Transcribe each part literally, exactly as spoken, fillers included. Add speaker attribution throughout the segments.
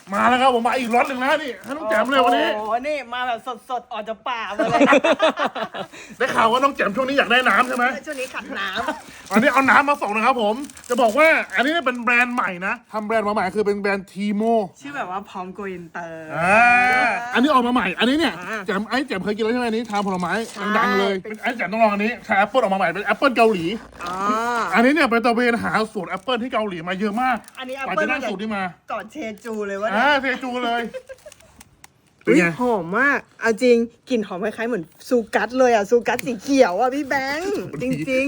Speaker 1: มาแล้วครับผมมาอีกรถหนึ่งแล้วนี่ให้น้องแจ่มเลยวันนี้
Speaker 2: โอ้โหนี่มาแบบสดๆออกจากป่ามาเลย
Speaker 1: ได้ข่าวว่าน้องแจ่มช่วงนี้อยากได้น้ำใช่ไหม
Speaker 2: ช่วงนี้ขัดน้
Speaker 1: ำอันนี้เอาน้ำมาส่งนะครับผมจะบอกว่าอันนี้เป็นแบรนด์ใหม่นะทำแบรนด์มาใหม่คือเป็นแบรนด์ทีโม
Speaker 2: ชื่อแบบว่าพร้อมโกอินเตอร์
Speaker 1: อ่าอันนี้ออกมาใหม่อันนี้เนี่ยแจ่มไอ้แจ่มเคยกินแล้วใช่ไหมอันนี้ทานผลไม้ดังๆเลยไอ้แจ่มต้องลองอันนี้ชาแอปเปิลออกมาใหม่เป็นแอปเปิลเกาหลี
Speaker 2: อ๋อ
Speaker 1: อันนี้เนี่ยไปตะเวนหาสูตรแอปเปิลที่เกาหลีมาเยอะมาก
Speaker 2: อันนี้แอป
Speaker 1: กว่า
Speaker 2: เปิล
Speaker 1: จะได้สูตรนี้มา
Speaker 2: ก่อนเชจูเลยวะ
Speaker 1: อ่าเทจูเลย
Speaker 2: อุ้ยหอมมากเอาจริงกลิ่นหอมคล้ายๆเหมือนซูกัสเลยอ่ะซูกัสสีเขียวอ่ะพี่แบงค์จริง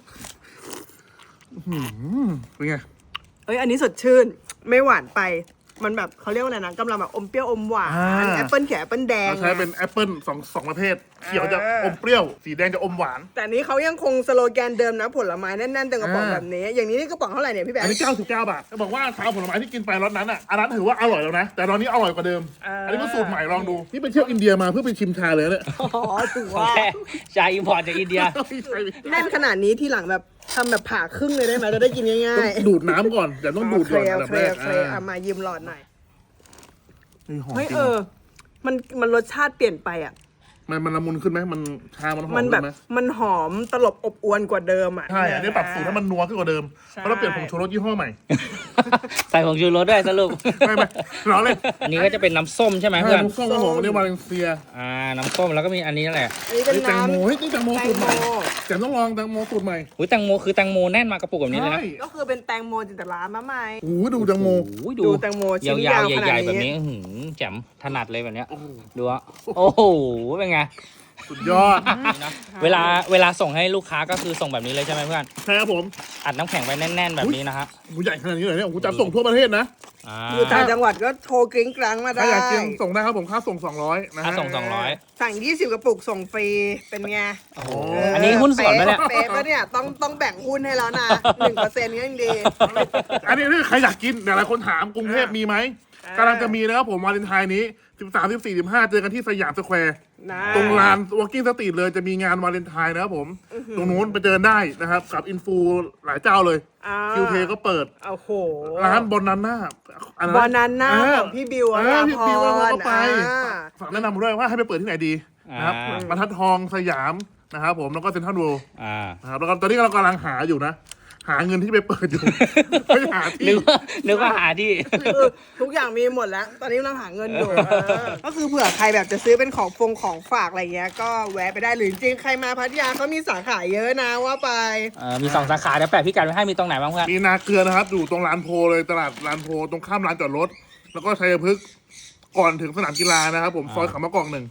Speaker 1: ๆเป็นไง
Speaker 2: เอ้ยอันนี้สดชื่นไม่หวานไปมันแบบเขาเรียกว่าอะไรนะกำลังแบบอมเปรี้ยวอมหวานแอปเปิลเขียวแอปเปิลแดง
Speaker 1: ใช้เป็นแอปเปิลสองสองประเภทเขียวจะอมเปรี้ยวสีแดงจะอมหวาน
Speaker 2: แต่นี้เขายังคงสโลแกนเดิมนะผลไม้แน่นๆเต็มกระป๋องแบบนี้อย่างนี้นี่กระป๋องเท่าไหร่เนี่ยพี่แบงค์
Speaker 1: อันนี้เก้าสิบเก้าบาทจะบอกว่าชาผลไม้ที่กินไปรสนั้นอ่ะอันนั้นถือว่าอร่อยแล้วนะแต่ตอนนี้อร่อยกว่าเดิมอันนี้เป็นสูตรใหม่ลองดูนี่ไปเที่ยวอินเดียมาเพื่อไปชิมชาเลยเนี่ย
Speaker 2: อ๋อถือว่า
Speaker 3: ชาอิมพอร์ตจากอินเดีย
Speaker 2: แน่นขนาดนี้ที่หลังแบบทำแบบผ่าครึ่งเลยได้ไหมจะได้กินง่าย
Speaker 1: ๆดูดน้ำก่อนแต่ต้องดูดก่อนอันดับแรก
Speaker 2: เอามายืมหลอดหน่อย
Speaker 1: เฮ้
Speaker 2: ยเออมันมันรสชาติเปลี่ยนไปอ่ะ
Speaker 1: มันมันละมุนขึ้นไหมมันชามันหอม
Speaker 2: มันแบบมันหอมตลบอบอวนกว่าเดิมอ่ะ
Speaker 1: ใช่อันนี้ปรับสูตรให้มันนัวขึ้นกว่าเดิมเพราะเราเปลี่ยนผงชูรสยี่ห้อใหม่
Speaker 3: ใส่ผงชูรสด้วยสรุป
Speaker 1: ไม่ไม่ร้อนเลย
Speaker 3: อันนี้ก็จะเป็นน้ำส้มใช่ไหมเพื่อน
Speaker 1: น้ำส้มก็หอมอันนี้มาเลเซีย
Speaker 3: อ่าน้ำส้มแล้วก็มีอันนี้แหละ
Speaker 2: อันนี้เป็น
Speaker 1: แตงโมเฮ้ยนี่แตงโมสูตรใหม่แจ่มต้องลองแตงโมสูตรใหม่
Speaker 3: อุ้ยแตงโมคือแตงโมแน่นมากระปุกแบบนี้เลยนะ
Speaker 2: ก็คือเป็นแตงโมจินตลามาใหม่
Speaker 1: โอ้ดูแตงโม
Speaker 2: ดูแตงโมชิ้นยาว
Speaker 3: ใหญ่ๆแบบนี้แจ่มถนัดเลยแบบเนี้ยดูอ่ะโอ้โหเป็นไง
Speaker 1: สุดยอด
Speaker 3: เวลาเวลาส่งให้ลูกค้าก็คือส่งแบบนี้เลยใช่ไหมเพื่อน
Speaker 1: ใช่ครับผม
Speaker 3: อัดน้ำแข็งไว้แน่นๆแบบนี้นะฮะ
Speaker 1: หูใหญ่ขนาดนี้เลยเนี่ยผมจะส่งทั่วประเทศนะ
Speaker 2: อยู่ต่างจังหวัดก็โทรกริ้งกรังมาได้
Speaker 1: ถ้าอยากกินส่งได้ครับผมค่าส่งสองร้อยนะ
Speaker 3: ค่าส่งสองร้อย
Speaker 2: สั่งยี่สิบกระปุกส่งฟรีเป็นไง
Speaker 3: โอ้อันนี้หุ้นส่วนไหมเนี่ย
Speaker 2: เป๊ะปะเนี่ยต้องต้องแบ่งหุ้นให้แล้วนะหนึ่งเปอร์เซ็นต์นี้ยังดี
Speaker 1: อันนี้ถ้าใครอยากกินหลายคนถามกรุงเทพมีไหมกำลังจะมีนะครับผมวาเลนไทน์นี้สิบสาม สิบสี่ สิบห้าเจอกันที่สยามสแควร์ตรงลาน Walking Street เลยจะมีงานวาเลนไทน์นะครับผมตรงนู้นไปเจอได้นะครับกับอินฟูหลายเจ้าเลยคิวเทก็เปิด
Speaker 2: โอ้โห
Speaker 1: ร้านบอนนาน่า
Speaker 2: บอนนาน่าของพี่บิวอ่ะ
Speaker 1: พี่บิวก็ไปฝากแนะนำด้วยว่าให้ไปเปิดที่ไหนดีนะครับบรรทัดทองสยามนะครับผมแล้วก็เซ็นทรัลเวิลด์นะครับแล้วก็ตอนนี้เรากำลังหาอยู่นะหาเงินที่ไปเปิดอยู่ไม่หาที่
Speaker 3: นึกว่านึกว่าหาที่
Speaker 2: ทุกอย่างมีหมดแล้วตอนนี้กำลังหาเงินอยู่ก็คือเผื่อใครแบบจะซื้อเป็นของฟงของฝากอะไรเงี้ยก็แวะไปได้หรือจริงใครมาพัทยาเขามีสาขาเยอะนะว่าไป
Speaker 3: มีสองสาขาเดี๋ยวแปะพี่กัดไว้ให้มีตรงไหนบ้างเพื่อน
Speaker 1: มีนาเกลือนะครับอยู่ตรงลานโพเลยตลาดลานโพตรงข้ามลานจอดรถแล้วก็ชัยพฤกษ์ก่อนถึงสนามกีฬานะครับผมซอยเขามะกอกหนึ่ง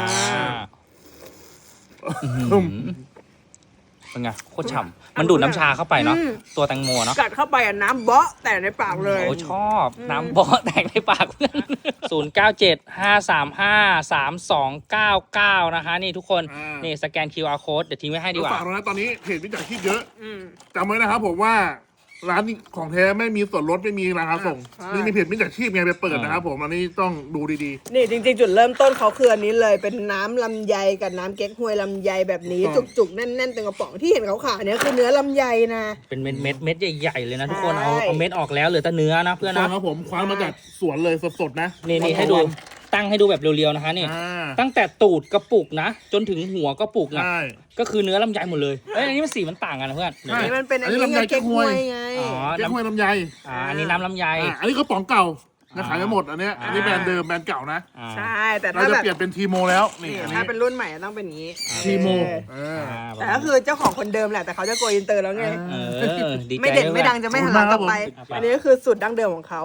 Speaker 3: เป็นไงโคตรฉ่ำมันดูดน้ำชาเข้าไปเนาะตัวแตงโมเนาะ
Speaker 2: กัดเข้าไปอ่ะน้ำเบาะแต่ในปากเลย
Speaker 3: โอ้ชอบน้ำเบาะแตกในปากเพื่อนศูนย์เก้าเจ็ดห้าสามห้าสามสองเก้าเก้านะคะนี่ทุกคนนี่สแกน คิว อาร์ Code เดี๋ยวทิ้งไว้ให้ดีกว่า
Speaker 1: ฝากนะตอนนี้เพจวิจารณ์คิดเยอะจำไว้นะครับผมว่าร้านของแท้ไม่มีส่วนลดไม่มีราคาส่งนี่มีเพจมิจฉาชีพไงไปเปิดนะครับผมอันนี้ต้องดูดี
Speaker 2: ๆนี่จริงๆจุดเริ่มต้นเขาคืออันนี้เลยเป็นน้ำลำไยกับน้ำเก๊กฮวยลำไยแบบนี้จุกๆแน่นๆเต็มกระป๋องที่เห็นเขาขายเนี่ยคือเนื้อลำไยนะ
Speaker 3: เป็นเม็ดเม็ดเม็ดใหญ่ๆเลยนะทุกคนเอาเอาเม็ดออกแล้วเหลือแต่เนื้อนะเพื่อน
Speaker 1: นะครับผมคว้านมาจากสวนเลยสดๆนะ
Speaker 3: นี่นี่ให้ดูตั้งให้ดูแบบเรียวๆนะคะนี่ตั้งแต่ตูดกระปุกนะจนถึงหัวกระปุกนะก็คือเนื้อลำไยหมดเลยเอ้ยอันนี้มันสีมันต่างกันนะเพื่อน
Speaker 2: อันนี้มันเป็นอันนี้ลำไยเก๊กฮวยไง
Speaker 1: อ๋อเก๊กฮวยลำไย
Speaker 3: อ่าอันนี้น้ำลำไย
Speaker 1: อันนี้กระป๋องเก่านะขายไม่หมดอันนี้อันนี้แบรนด์เดิมแบรนด์เก่านะ
Speaker 2: ใช่แต่
Speaker 1: ถ้าจะเปลี่ยนเป็นทีโมแล้วนี่
Speaker 2: ถ้าเป็นรุ่นใหม่ต้องเป็นนี้
Speaker 1: ทีโม
Speaker 2: แต่ก็คือเจ้าของคนเดิมแหละแต่เขาจะโกอินเตอร์แล้วไงไม่เด่นไม่ดังจะไม่หันหลังกลับไปอันนี้ก็คือสูตรดั้งเดิมของเขา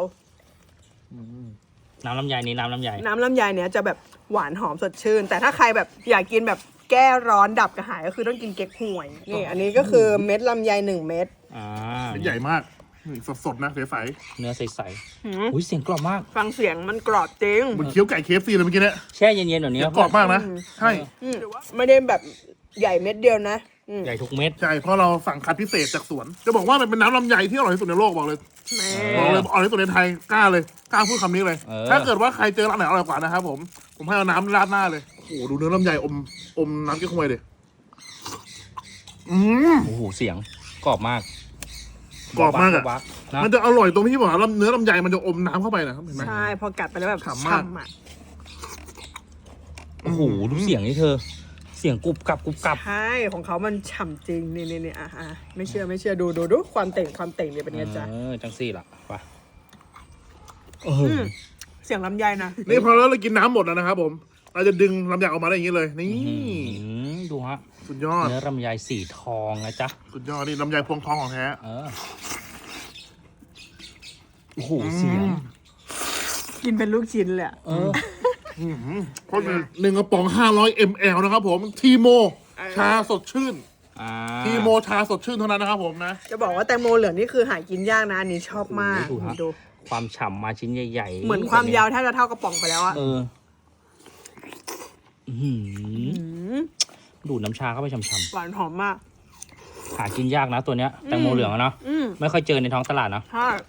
Speaker 3: น้ำลำไยนี่น้ำลำไย
Speaker 2: น้ำลำไยเนี้ยจะแบบหวานหอมสดชื่นแต่ถ้าใครแบบอยากกินแบบแก้ร้อนดับกระหายก็คือต้องกินเก๊กฮวยนี่อันนี้ก็คือเม็ดลำไยหนึ่งเม็ด
Speaker 3: อ่า
Speaker 1: ใหญ่มากสดๆนะใส
Speaker 3: ๆเนื้อใสๆอุ้ยเสียงกรอบมาก
Speaker 2: ฟังเสียงมันกรอบจริง
Speaker 1: มันเคี้ยวไก่เคฟซีเลยเมื่อกี้เนี่ย
Speaker 3: แช่เย็นๆแบบนี้
Speaker 1: กรอบมากนะใช่
Speaker 2: ไม่ได้แบบใหญ่เม็ดเดียวนะ
Speaker 3: ใหญ่ทุกเม็ด
Speaker 1: ใช่เพราะเราสั่งคัดพิเศษจากสวนจะบอกว่ามันเป็นน้ำลำไยที่อร่อยที่สุดในโลกบอกเลยบอกเลยอร่อยที่สุดในไทยกล้าเลยกล้าพูดคำนี้เลยถ้าเกิดว่าใครเจอร้านไหนอร่อยกว่านะครับผมผมให้เอาน้ำราดหน้าเลยโอ้โหดูเนื้อลำไยอมอมน้ำเก๊กฮวยเลยอืม
Speaker 3: โอ้โหเสียงกรอบมาก
Speaker 1: กรอบมากอะ
Speaker 3: บักๆนะ
Speaker 1: มันจะอร่อยตรงที่บอกว่าเนื้อลำไยมันจะอมน้ำเข้าไปนะครับเห็นไหม
Speaker 2: ใช่พอกัดไปแล้วแบบ
Speaker 1: ฉ่ำมาก
Speaker 2: ฉ่ำอ่ะ
Speaker 3: โอ้โหดูเสียงนี่เธอ เสียงกรุบกรับกรุบกรับ
Speaker 2: ใช่ของเขามันฉ่ำจริงนี่นี่นี่อ่ะอ่ะไม่เชื่อไม่เชื่อดูดูดูความเต่งความเต่งเนี่ยเป็นไงจ๊ะ
Speaker 3: เออจังสี่ล่ะไปเออ
Speaker 2: มเสียงลำไยนะ
Speaker 1: นี่พอแล้วเรากินน้ำหมดแล้วนะครับผม เราจะดึงลำไยออกมาได้อย่างนี้เลย นี่
Speaker 3: อืมดูฮะ
Speaker 1: สุดยอด
Speaker 3: เนื้อลำไยสีทองนะจ๊ะ
Speaker 1: สุดยอดนี่ลำไยพวงทองของแท้
Speaker 3: เออโอ้โหเสียง
Speaker 2: กินเป็นลูกชิ้นเลยอะ
Speaker 3: เออ
Speaker 1: เพราะหนึ่งกระป๋องห้าร้อยมลนะครับผม ทีโม ชาสดชื่น
Speaker 3: อ่า
Speaker 1: ทีโมชาสดชื่นเท่านั้นนะครับผมนะ
Speaker 2: จะบอกว่าแตงโมเหลืองนี่คือหากินยากนะอันนี้ชอบมาก
Speaker 3: ดูฮะ
Speaker 2: ดู
Speaker 3: ความฉ่ำมาชิ้นใหญ่ๆ
Speaker 2: เหมือนความยาวแทบจะเท่ากระป๋องไปแล้วอะ
Speaker 3: เอออื้อหือ
Speaker 2: อืม
Speaker 3: ดูดน้ำชาเข้าไปฉ่ำ
Speaker 2: หวานหอมมาก
Speaker 3: ๆหากินยากนะตัวเนี้ยแตงโมเหลืองอะเนาะ
Speaker 2: อืม
Speaker 3: ไม่ค่อยเจอในท้องตลาดเนาะ
Speaker 2: ใช่